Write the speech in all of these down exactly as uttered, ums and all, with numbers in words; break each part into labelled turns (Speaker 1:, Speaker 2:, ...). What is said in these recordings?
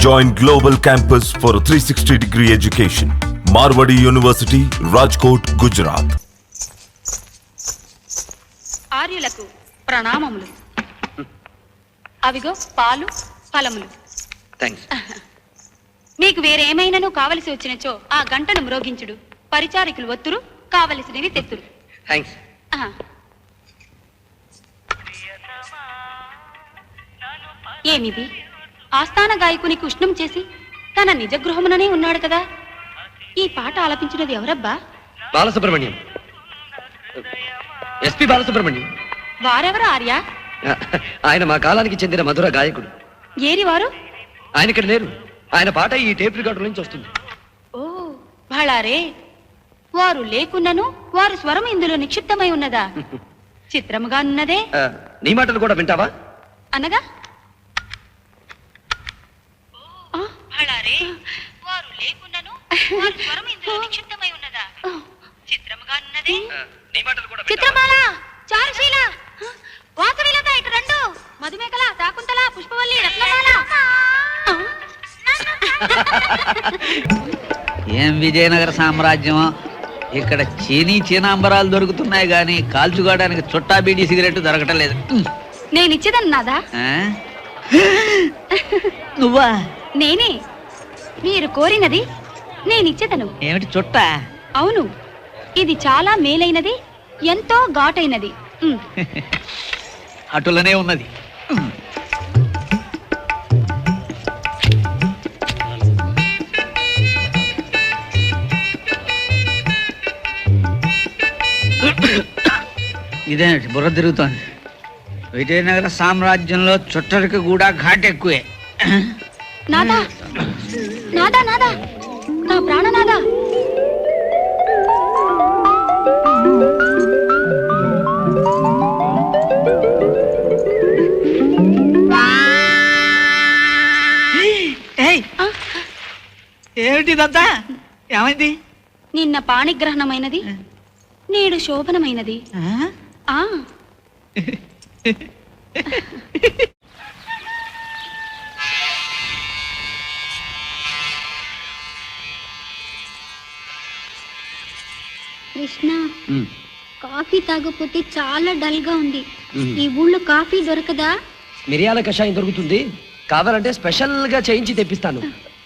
Speaker 1: Join Global Campus for a three sixty degree education. Marwadi University, Rajkot, Gujarat.
Speaker 2: ఆర్యులకు ప్రణామములు. అవిగో పాలు ఫలములు.
Speaker 3: Thanks.
Speaker 2: మీకు వేరేమైనాను కావలసి వచ్చినచో ఆ గంటను మ్రోగించుడు. పరిచారికులు ఒత్తురు, కావలసినవి తెత్తురు.
Speaker 3: థాంక్స్.
Speaker 2: ఏమిది? ఆస్థాన గాయకునికి ఉష్ణం చేసి తన నిజ గృహముననే ఉన్నాడు కదా. ఈ పాట ఆలపించినది ఎవరబ్బా?
Speaker 3: బాలసుబ్రహ్మణ్యం. ఎస్పి బాలసుబ్రహ్మణ్యం.
Speaker 2: వారెవరు ఆర్య?
Speaker 3: ఆయన మా కాలానికి చెందిన మధుర గాయకుడు.
Speaker 2: ఏరి వారు?
Speaker 3: ఆయన ఇక్కడ లేరు. ఆయన పాట ఈ టేప్ రికార్డు నుంచి వస్తుంది.
Speaker 2: ఓ భళారే, వారు లేకున్నను వారు స్వరం ఇందులో నిక్షిప్తమై ఉన్నదా? చిత్రముగా ఉన్నదే.
Speaker 3: నీ మాటలు కూడా వింటావా?
Speaker 2: అనగా భళారే, వారు లేకున్నను వారు స్వరం ఇందులో నిక్షిప్తమై ఉన్నదా? చిత్రముగా ఉన్నదే.
Speaker 3: నీ మాటలు కూడా
Speaker 2: చిత్రమాల, చారుశీల, వాసవిలత, ఇటు రెండు, మధుమేకల, శాకుంతల, పుష్పవల్లి, రత్నమాల.
Speaker 4: ఏం విజయనగర సామ్రాజ్యం! ఇక్కడ చీనీ చీనాంబరాలు దొరుకుతున్నాయి గాని కాల్చుకోవడానికి చుట్టా బీడీ సిగరెట్ దొరకటం లేదు.
Speaker 2: నేనిచ్చేదన్నాదా?
Speaker 4: నువ్వా?
Speaker 2: నేనే. మీరు కోరినది నేనిచ్చేదను.
Speaker 4: ఏమిటి చుట్టా?
Speaker 2: అవును, ఇది చాలా మేలైనది, ఎంతో ఘాటైనది.
Speaker 4: అటులనే ఉన్నది. ఇదేంటి బుర్ర తిరుగుతోంది? విజయనగర సామ్రాజ్యంలో చుట్టరికి కూడా ఘాట్ ఎక్కువే.
Speaker 2: నాదా నాదా నాదా నా ప్రాణనాదా,
Speaker 4: ఏమిటిదంతా? ఏమైంది?
Speaker 2: నిన్న పాణిగ్రహణమైనది, నేడు శోభనమైనది. ఆ
Speaker 5: కృష్ణ, కాఫీ తాగకపోతే చాలా డల్ గా ఉంది. ఈ ఊళ్ళో కాఫీ దొరకదా?
Speaker 3: మిరియాల కషాయం దొరుకుతుంది, కావాలంటే స్పెషల్ గా చేయించి తెప్పిస్తాను.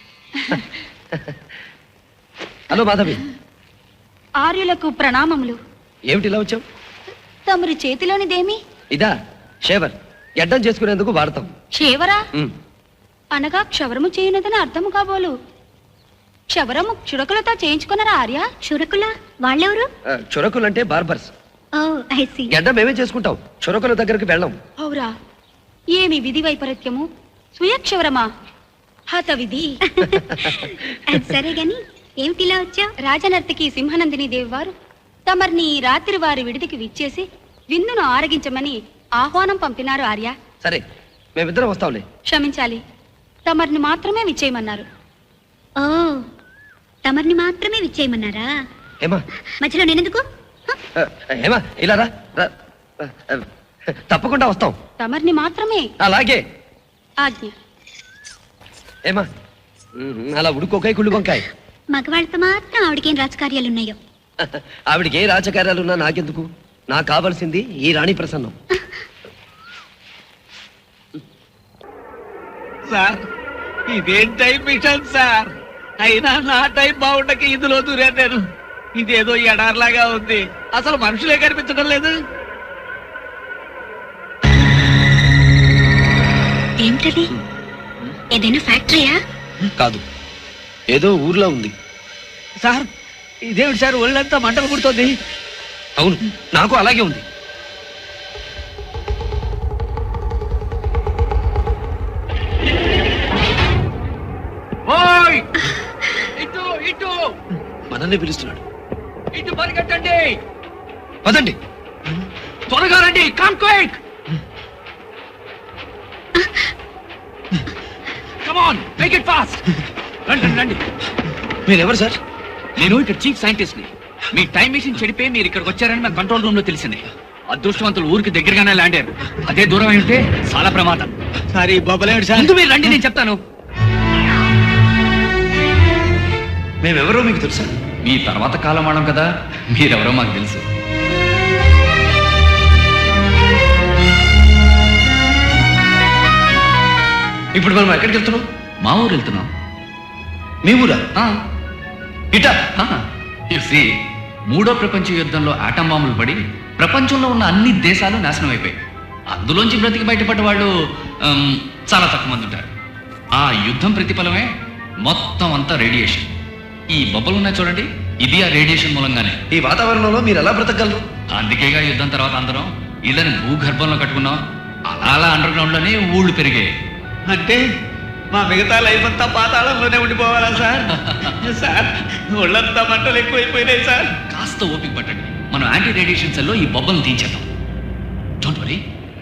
Speaker 3: హలో మాధవి.
Speaker 2: ఆర్యులకు ప్రణామములు.
Speaker 3: ఏమిటి ఇలా వచ్చావు?
Speaker 2: తమరి చేతిలోనిదేమి?
Speaker 3: ఇదా షేవర్, ఎడ్డం చేసుకునేందుకు వాడతాం.
Speaker 2: క్షేవరా అనగా క్షవరము చేయనదని అర్థము కాబోలు. క్షవరము చురకులతో చేయించుకున్నారా ఆర్య?
Speaker 5: చురకుల వాళ్ళెవరు?
Speaker 3: చురకులంటే బార్బర్స్. ఎడ్డం మేమే చేసుకుంటాం, చురకుల దగ్గరికి వెళ్ళాం.
Speaker 2: అవురా, ఏమి విధి వైపరీత్యము! సుయక్షవరమా? హత విధి.
Speaker 5: సరే గాని ఏమిటిలా వచ్చా?
Speaker 2: రాజనర్తకి సింహనందిని దేవి వారు తమర్ని రాత్రి వారి విడిదికి విచ్చేసి విందును ఆరగించమని ఆహ్వానం పంపినారు ఆర్య.
Speaker 3: సరే, మేమిద్దరం వస్తాంలే.
Speaker 2: క్షమించాలి, తమర్ని మాత్రమే విచ్చేయమన్నారు.
Speaker 5: ఓ, తమర్ని మాత్రమే విచ్చేయమన్నారా?
Speaker 3: ఏమా
Speaker 5: మధ్యలో నేనెందుకు?
Speaker 3: ఏమా ఇలా రా. తప్పకుండా వస్తాం.
Speaker 2: తమర్ని మాత్రమే.
Speaker 3: అలాగే.
Speaker 2: ఆజ్ఞ.
Speaker 3: ఏమా అలా ఉడుకోకాయ కుళ్ళు వంకాయ.
Speaker 5: మగవాళ్ళతో మాత్రం ఆవిడకేం రాజకార్యాలున్నాయో.
Speaker 3: ఆవిడకి ఏ రాజకార్యాలున్నా నాకెందుకు? నాకు కావాల్సింది ఈ రాణి ప్రసన్నం.
Speaker 4: సార్, ఇదేం టైం మిషన్ సార్? అయినా నా టైం బాగుండక ఇందులో దూరా నేను. ఇదేదో ఎడార్లాగా ఉంది, అసలు మనుషులే కనిపించడం లేదు.
Speaker 5: ఏంటది? ఏదైనా ఫ్యాక్టరీయా?
Speaker 3: కాదు, ఏదో ఊర్లో ఉంది.
Speaker 4: సార్, ఇదేమిటి సార్ ఒళ్ళంతా మంటలు పుడుతోంది?
Speaker 3: అవును, నాకు అలాగే ఉంది.
Speaker 4: ఇటు ఇటు
Speaker 3: మనల్ని పిలుస్తున్నాడు.
Speaker 4: ఇటు పరిగెట్టండి.
Speaker 3: పదండి,
Speaker 4: త్వరగా రండి. Come quick. Come on, make it fast. రండి రండి.
Speaker 3: మీరెవరు సార్?
Speaker 6: నేను ఇక్కడ చీఫ్ సైంటిస్ట్ ని. మీ టైం మెషిన్ చెడిపోయి మీరు ఇక్కడికి వచ్చారని మా కంట్రోల్ రూమ్ లో తెలిసింది. అదృష్టవంతులు ఊరికి దగ్గరగానే ల్యాండ్ అయ్యారు. అదే దూరం అయి ఉంటే చాలా ప్రమాదం.
Speaker 4: సారీ బాబలేడు సార్.
Speaker 6: ముందు మీరు రండి, నేను చెప్తాను.
Speaker 3: మేమెవరో మీకు తెలుసా?
Speaker 6: మీ తర్వాత కాలం వాడడం కదా, మీరెవరో మాకు తెలుసు.
Speaker 3: ఇప్పుడు మనం ఎక్కడికి వెళ్తున్నాం?
Speaker 6: మా ఊరు వెళ్తున్నాం.
Speaker 3: మీ ఊరా? ఇటా?
Speaker 6: You see, మూడో ప్రపంచ యుద్ధంలో ఆటం బాంబులు పడి ప్రపంచంలో ఉన్న అన్ని దేశాలు నాశనం అయిపోయాయి. అందులోంచి బ్రతికి బయటపడ్డ వాళ్ళు ఆమ్, చాలా తక్కువ మంది ఉంటారు. ఆ యుద్ధం ప్రతిఫలమే మొత్తం అంతా రేడియేషన్. ఈ బొబ్బలు ఉన్నాయి చూడండి, ఇది ఆ రేడియేషన్ మూలంగానే.
Speaker 3: ఈ వాతావరణంలో మీరు ఎలా బ్రతకగలరు?
Speaker 6: అందుకేగా యుద్ధం తర్వాత అందరం ఇళ్ళని భూగర్భంలో కట్టుకున్నాం. అలా అలా అండర్ గ్రౌండ్ లోనే ఊళ్ళు పెరిగాయి.
Speaker 4: అంటే మా మిగతా లైఫ్ అంతా పాతాళంలోనే ఉండిపోవాలా సార్? సార్ ఒళ్ళంతా మంటలు ఎక్కువైపోయినాయి సార్.
Speaker 6: కాస్త ఓపిక పట్టండి, మనం యాంటీ రేడియేషన్ సెల్లో ఈ బొబ్బలను తీయించేద్దాం. డోంట్ వరీ,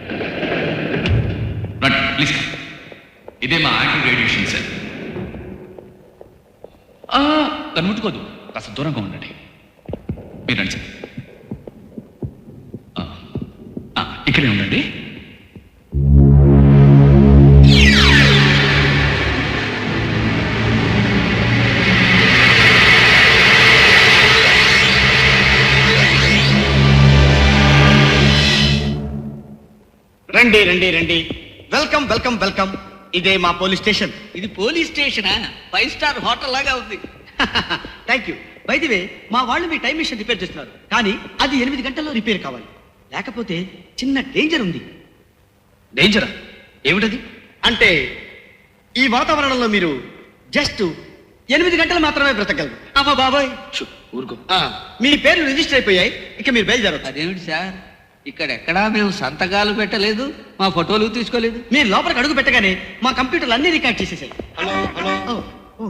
Speaker 6: రండి ప్లీజ్. ఇదే మా యాంటీ రేడియేషన్ సెల్. దాన్ని ముట్టుకోదు, కాస్త దూరంగా ఉండండి. మీరు రండి సార్. ఆ, ఆ, ఇక్కడే ఉండండి.
Speaker 7: రండి రండి రండి వెల్కమ్ వెల్కమ్ వెల్కమ్ ఇదే మా పోలీస్ స్టేషన్.
Speaker 4: ఇది పోలీస్ స్టేషనా? ఫైవ్ స్టార్ హోటల్ లాగా ఉంది.
Speaker 7: Thank you. By the way, మా వాళ్ళు మీ టైం మిషన్ రిపేర్ చేస్తున్నారు, కానీ అది ఎనిమిది గంటల్లో రిపేర్ కావాలి, లేకపోతే చిన్న డేంజర్ ఉంది.
Speaker 3: డేంజరా? ఏమిటది?
Speaker 7: అంటే ఈ వాతావరణంలో మీరు జస్ట్ ఎనిమిది గంటలు మాత్రమే బ్రతకగలరు. అమ్మా బాబాయ్,
Speaker 3: షూ, ఊరుకో.
Speaker 7: ఆ, మీ పేర్లు రిజిస్టర్ అయిపోయాయి, ఇక మీరు బయలుదేరవచ్చు.
Speaker 4: అదేమిటి సార్, ఇక్కడెక్కడా మేము సంతకాలు పెట్టలేదు, మా ఫోటోలు తీసుకోలేదు.
Speaker 7: మీరు లోపలికి అడుగు పెట్టగానే మా కంప్యూటర్లు అన్ని రికార్డ్ చేసేసాయి. ఓ, ఓ.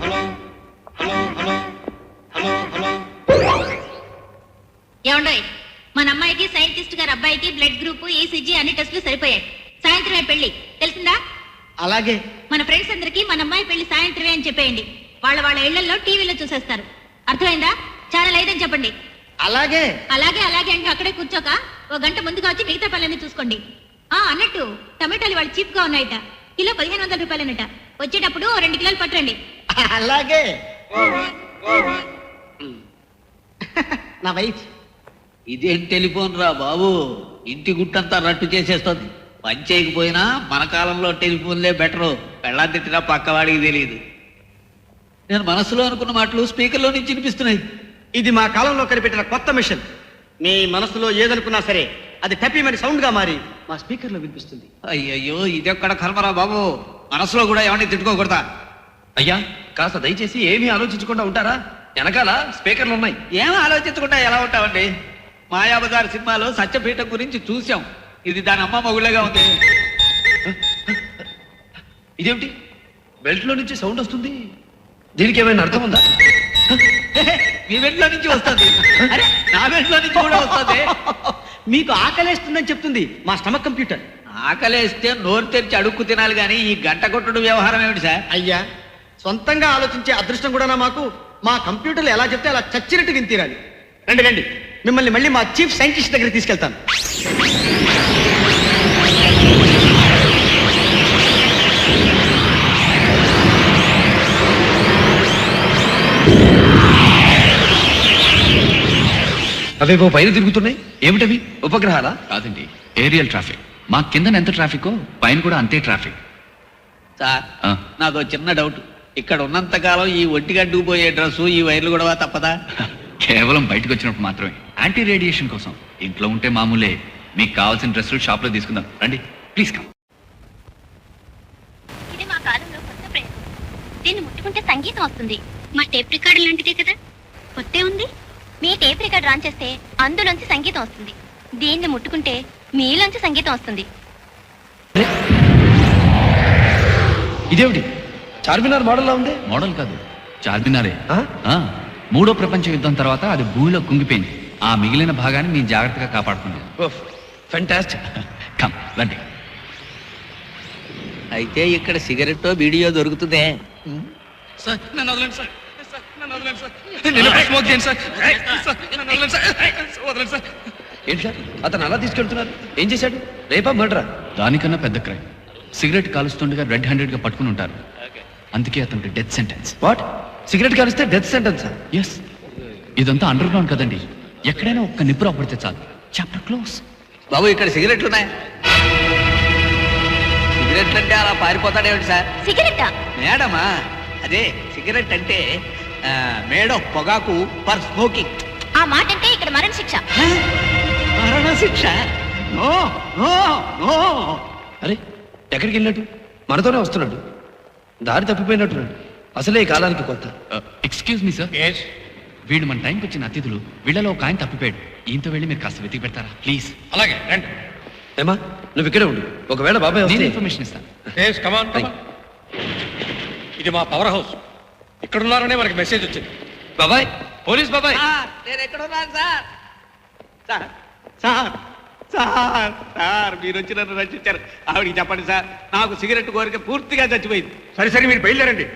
Speaker 5: ఏమండోయ్, మన అమ్మాయికి సైంటిస్ట్ గారి అబ్బాయికి బ్లడ్ గ్రూప్, ఈసీజీ అన్ని టెస్టులు సరిపోయాయి. సాయంత్రమే పెళ్లి, తెలిసిందా?
Speaker 7: అలాగే.
Speaker 5: మన ఫ్రెండ్స్ అందరికి మన అమ్మాయి పెళ్లి సాయంత్రమే అని చెప్పేయండి. వాళ్ళ వాళ్ళ ఇళ్లలో టీవీలో చూసేస్తారు. అర్థమైందా? ఛానల్ ఐదని చెప్పండి.
Speaker 7: అలాగే.
Speaker 5: అలాగే అలాగే అంటే అక్కడే కూర్చోక ఓ గంట ముందుగా వచ్చి మిగతా పనులన్నీ చూసుకోండి. ఆ అన్నట్టు టమాటాలు వాళ్ళు చీప్ గా ఉన్నాయట, కిలో పదిహేను వందల రూపాయలనట. వచ్చేటప్పుడు ఓ రెండు కిలోలు పట్టండి.
Speaker 7: అలాగే. నా వైఫ్.
Speaker 4: ఇదేం టెలిఫోన్ రా బాబు, ఇంటి గుట్టంతా రట్టు చేసేస్తుంది. పని చేయకపోయినా మన కాలంలో టెలిఫోన్లే బెటరు. పెళ్ళా తిట్టినా పక్కవాడికి తెలియదు. నేను మనసులో అనుకున్న మాటలు స్పీకర్లో నుంచి వినిపిస్తున్నాయి.
Speaker 7: ఇది మా కాలంలో కనిపెట్టిన కొత్త మిషన్. మీ మనసులో ఏదనుకున్నా సరే అది టపీమని సౌండ్ గా మారి మా స్పీకర్ లో వినిపిస్తుంది.
Speaker 4: అయ్యయ్యో, ఇదెక్కడ కర్మరా బాబు, మనసులో కూడా ఎవరిని తిట్టుకోకూడదా?
Speaker 3: అయ్యా, కాస్త దయచేసి ఏమీ ఆలోచించకుండా ఉంటారా? వెనకాల స్పీకర్లు ఉన్నాయి.
Speaker 4: ఏం ఆలోచించకుండా ఎలా ఉంటామండి? మాయాబజార్ సినిమాలో సత్యపీఠం గురించి చూసాం. ఇది దాని అమ్మ మొగుళ్ళగా ఉంది.
Speaker 3: ఇదేమిటి? బెల్ట్ లో నుంచి సౌండ్ వస్తుంది. దీనికి ఏమైనా అర్థం ఉందా?
Speaker 4: మీ వెంట్లో నుంచి వస్తుంది. అరే, నా వెంట్లో నుంచి కూడా వస్తుంది.
Speaker 7: మీకు ఆకలేస్తుందని చెప్తుంది మా స్టమక్ కంప్యూటర్.
Speaker 4: ఆకలేస్తే నోరు తెరిచి అడుక్కు తినాలి కానీ ఈ గంట కొట్టుడు వ్యవహారం ఏమిటి సార్?
Speaker 7: అయ్యా, సొంతంగా ఆలోచించే అదృష్టం కూడా మాకు. మా కంప్యూటర్లు ఎలా చెప్తే అలా చచ్చినట్టు విని తీరాలి. రండి రండి, మిమ్మల్ని మళ్ళీ మా చీఫ్ సైంటిస్ట్ దగ్గర తీసుకెళ్తాను.
Speaker 3: అవేవో పైన తిరుగుతున్నాయి. ఏమిటవి? ఉపగ్రహాలా?
Speaker 6: కాదండి, ఏరియల్ ట్రాఫిక్. మా కింద ఎంత ట్రాఫికో పైన కూడా అంతే ట్రాఫిక్.
Speaker 4: సార్,
Speaker 6: ఆ.
Speaker 4: నాదో చిన్న డౌట్. ఇక్కడ ఉన్నంత కాలం ఈ ఒంటిగడ్డుకు పోయే డ్రెస్సు, ఈ వైర్లు కూడా తప్పదా?
Speaker 6: కేవలం బయటకు వచ్చినప్పుడు మాత్రమే, యాంటీ రేడియేషన్ కోసం. ఇంట్లో ఉంటే మామూలే. మీకు కావాల్సిన డ్రెస్సులు షాప్ లో తీసుకుందాం, రండి ప్లీజ్ కమ్.
Speaker 5: ఇది మా కాలంలో కొత్త ప్రయోగం. దీన్ని ముట్టుకుంటే సంగీతం వస్తుంది. మా టేప్ రికార్డు లాంటిదే కదా, కొత్తే ఉంది. మీ టేప్ రికార్డ్ రాన్ చేస్తే అందులోంచి సంగీతం వస్తుంది. దీన్ని ముట్టుకుంటే మీలోంచి సంగీతం వస్తుంది.
Speaker 3: ఇదేమిటి? చార్మినార్ మోడల్లా ఉంది.
Speaker 6: మోడల్ కాదు, చార్మినారే.
Speaker 3: ఆ?
Speaker 6: ఆ, మూడో ప్రపంచ యుద్ధం తర్వాత అది భూమిలో కుంగిపోయింది. ఆ మిగిలిన భాగాన్ని మేము జాగ్రత్తగా కాపాడుకున్నాం.
Speaker 3: ఫెంటాస్టిక్.
Speaker 6: కమ్ రండి.
Speaker 4: అయితే ఇక్కడ సిగరెట్ వీడియో దొరుకుతుందే.
Speaker 6: సార్ నన్ను వదలండి సార్. సార్, నన్ను వదలండి సార్. నేను ఎప్పుడు స్మోక్ చేయను సార్. సార్, నన్ను వదలండి సార్. వదలండి సార్.
Speaker 3: ఏంటి సార్, అతను అలా తీసుకెళ్తున్నారు? ఏం చేశాడు? రేపా మర్డరా?
Speaker 6: దానికన్నా పెద్ద క్రైమ్. సిగరెట్ కాలుస్తుండగా రెడ్ హ్యాండెడ్ గా పట్టుకుని ఉంటారు. అందుకే అతనికి డెత్ సెంటెన్స్.
Speaker 3: వాట్? సిగరెట్ కాలిస్తే డెత్ సెంటెన్స్ సార్.
Speaker 6: ఎస్, ఇదంతా అండర్ గ్రౌండ్ కదండి. ఎక్కడైనా ఒక్క నిప్పు రాపడితే చాలు, చాప్టర్ క్లోజ్.
Speaker 4: బాబు ఇక్కడ సిగరెట్లు ఉన్నాయి. సిగరెట్లు అంటే అలా పారిపోతాడేమిటి సార్?
Speaker 5: సిగరెట్టా?
Speaker 4: మేడమా, అదే సిగరెట్ అంటే ఆ, మేడం పొగాకు ఫర్ స్మోకింగ్.
Speaker 5: ఆ మాట అంటే ఇక్కడ మరణ శిక్ష.
Speaker 4: మరణ శిక్ష? No no no.
Speaker 3: అరే ఎక్కడికి వెళ్ళినట్టు? మనతోనే వస్తున్నాడు. దారి తప్పిపోయినట్టున్నాడు. అసలే ఈ కాలానికి కొత్త.
Speaker 6: ఎక్స్క్యూజ్ మీ సార్, వీళ్ళు మన టైంకి వచ్చిన అతిథులు. వీళ్ళలో ఒక ఆయన తప్పిపోయాడు. ఈయంతో వెళ్ళి మీరు కాస్త వెతికి పెడతారా ప్లీజ్?
Speaker 8: అలాగే రండి.
Speaker 3: ఏమా నువ్వు ఇక్కడే ఉండు. ఒకవేళ బాబాయ్
Speaker 6: నేను
Speaker 3: వస్తే
Speaker 6: ఇన్ఫర్మేషన్ ఇస్తాను.
Speaker 8: Yes come on come on. ఇది మా పవర్ హౌస్. ఇక్కడ ఉన్నారనే మనకి మెసేజ్ వచ్చింది.
Speaker 3: బాబాయ్, పోలీస్ బాబాయ్.
Speaker 4: సార్, నేను ఎక్కడున్నాను sir? Sir sir sir sir మీరు వచ్చి నన్ను రక్షించారు. ఆవిడికి చెప్పండి సార్, నాకు సిగరెట్ కోరిక పూర్తిగా చచ్చిపోయింది.
Speaker 8: సరే సరే మీరు బయలుదేరండి.